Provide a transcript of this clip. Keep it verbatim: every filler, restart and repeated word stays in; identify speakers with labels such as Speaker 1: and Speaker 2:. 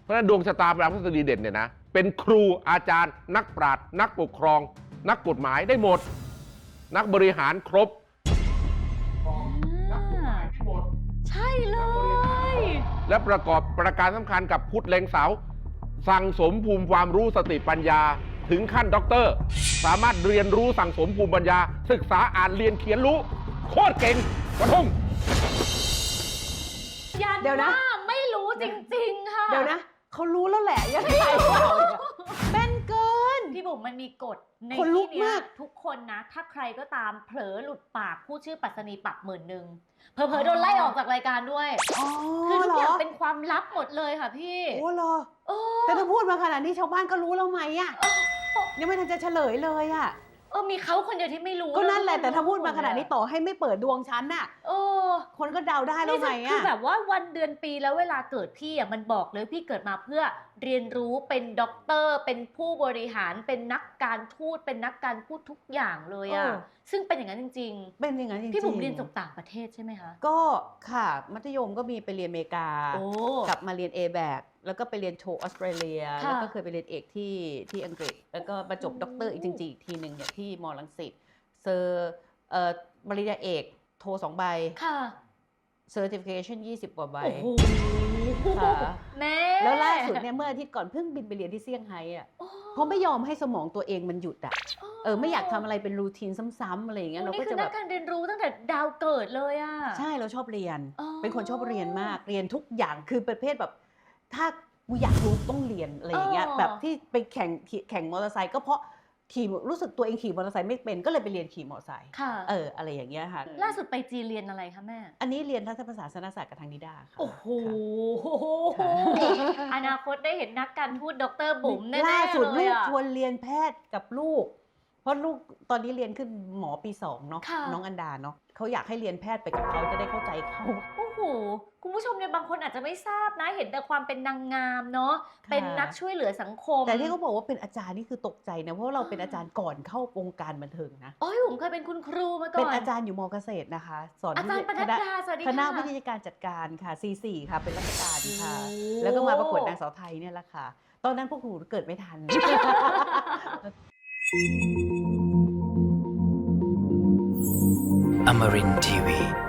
Speaker 1: เพราะฉะนั้นดวงชะตาพระพฤหัสบดีเด่นเนี่ยนะเป็นครูอาจารย์นักปราชญ์นักปกครองนักกฎหมายได้หมดนักบริหารครบ
Speaker 2: นักกฎหมายได้หมดใช่เลย
Speaker 1: และประกอบประการสำคัญกับพุทธเล็งเสาสั่งสมภูมิความรู้สติปัญญาถึงขั้นด็อกเตอร์สามารถเรียนรู้สั่งสมภูมิปัญญาศึกษาอ่านเรียนเขียนรู้โคตรเก่งกระทุ่ม
Speaker 2: เดี๋ยวนะไม่รู้จริงๆค่ะ
Speaker 3: เดี๋ยวนะเขารู้แล้วแหละยังไงเป็นเกิน
Speaker 2: พี่บุ๋มมันมีกฎใน
Speaker 3: คนลุ
Speaker 2: ที่
Speaker 3: ก
Speaker 2: นี้
Speaker 3: มาก
Speaker 2: ทุกคนนะถ้าใครก็ตามเผลอหลุดปากพูดชื่อปัสนีปรับหมื่นหนึ่งเผลอๆโดนไล่ออกจากรายการด้วยคือทุกอย่างเป็นความลับหมดเลยค่ะพี่
Speaker 3: โอ้เหรอแต่ถ้าพูดมาขนาดนี้ชาวบ้านก็รู้แล้วไหมอ่ะยังไม่ทันจะเฉลยเลยอ่ะ
Speaker 2: เออมีเขาคนเดียวที่ไม่รู้
Speaker 3: ก็นั่นแหละแต่ถ้าพูดมาขนาดนี้ต่อให้ไม่เปิดดวงฉันน่ะ
Speaker 2: เออ
Speaker 3: คนก็เดาได้แล้วไงอ่ะ
Speaker 2: คือแบบว่าวันเดือนปีแล้วเวลาเกิดพี่อ่ะมันบอกเลยพี่เกิดมาเพื่อเรียนรู้เป็นด็อกเตอร์เป็นผู้บริหารเป็นนักการทูตเป็นนักการพูดทุกอย่างเลยอ่ะซึ่งเป็นอย่างนั้นจริง
Speaker 3: ๆเป็นอย่างนั้นจริงๆ
Speaker 2: พี่บุ๋มเรียนจบต่างประเทศใช่ไหมคะ
Speaker 3: ก็ค่ะมัธยมก็มีไปเรียนอเมริกากลับมาเรียน เอ แบค แล้วก็ไปเรียนโทออสเตรเลียแล้วก็เคยไปเรียนเอกที่ที่อังกฤษแล้วก็มาจบด็อกเตอร์อีกจริงๆอีกทีหนึ่งเนี่ยที่มอรังสิตเซอร์เอ่อปริญญาเอกโทสองใบ
Speaker 2: ค่ะ
Speaker 3: certification ยี่สิบกว่าใบ
Speaker 2: โอ้โห
Speaker 3: ค่ะ
Speaker 2: แม่
Speaker 3: แล้วล่าสุดเนี่ยเมื่ออาทิตย์ก่อนเพิ่งบินไปเรียนที่เซี่ยงไฮ้อ่ะเพราะไม่ยอมให้สมองตัวเองมันหยุดอ่ะเออไม่อยากทำอะไรเป็นรูทีนซ้ำๆอะไรอย่างเงี้ยเราก็จะแบบ
Speaker 2: การเรียนรู้ตั้งแต่ดาวเกิดเลยอ่ะ
Speaker 3: ใช่เราชอบเรียนเป็นคนชอบเรียนมากเรียนทุกอย่างคือประเภทแบบถ้ากูอยากรู้ต้องเรียนอะไรอย่างเงี้ยแบบที่ไปแข่งแข่งมอเตอร์ไซค์ก็เพราะขี่รู้สึกตัวเองขี่มอเตอร์ไซค์ไม่เป็นก็เลยไปเรียนขี่มอเตอร์ไซค์เอออะไรอย่างเงี้ยค่ะ
Speaker 2: ล่าสุดไปจีนเรียนอะไรคะแม่
Speaker 3: อันนี้เรียนทัศนศาสตร์ศาสตร์กับทางนิดาค่ะ
Speaker 2: โอ้โหอนาคตได้เห็นนักการทูตดรบุ๋มแน่ๆเลย
Speaker 3: ล่าสุดลูกชวนเรียนแพทย์กับลูกเพราะลูกตอนนี้เรียนขึ้นหมอปีสองเนาะน้องอันดาเนาะเขาอยากให้เรียนแพทย์ไปกับเขาจะได้เข้าใจเขา
Speaker 2: โอ้โหคุณผู้ชมเนี่ยบางคนอาจจะไม่ทราบนะเห็นแต่ความเป็นนางงามเนาะเป็นนักช่วยเหลือสังคม
Speaker 3: แต่ที่เขาบอกว่าเป็นอาจารย์นี่คือตกใจนะเพราะเราเป็นอาจารย์ก่อนเข้าวงการบันเทิงนะ
Speaker 2: อ๋อผมเคยเป็นคุณครูมาก่อน
Speaker 3: เป็นอาจารย์อยู่มอเกษตรนะคะสอน
Speaker 2: อาจารย์ปนัดดาสวัสดีค่ะ
Speaker 3: คณะวิทยาการจัดการค่ะ ซี สี่ ค่ะเป็นราชการค่ะแล้วก็มาประกวดนางสาวไทยเนี่ยแหละค่ะตอนนั้นพวกหนูเกิดไม่ทัน
Speaker 4: Amarin ที วี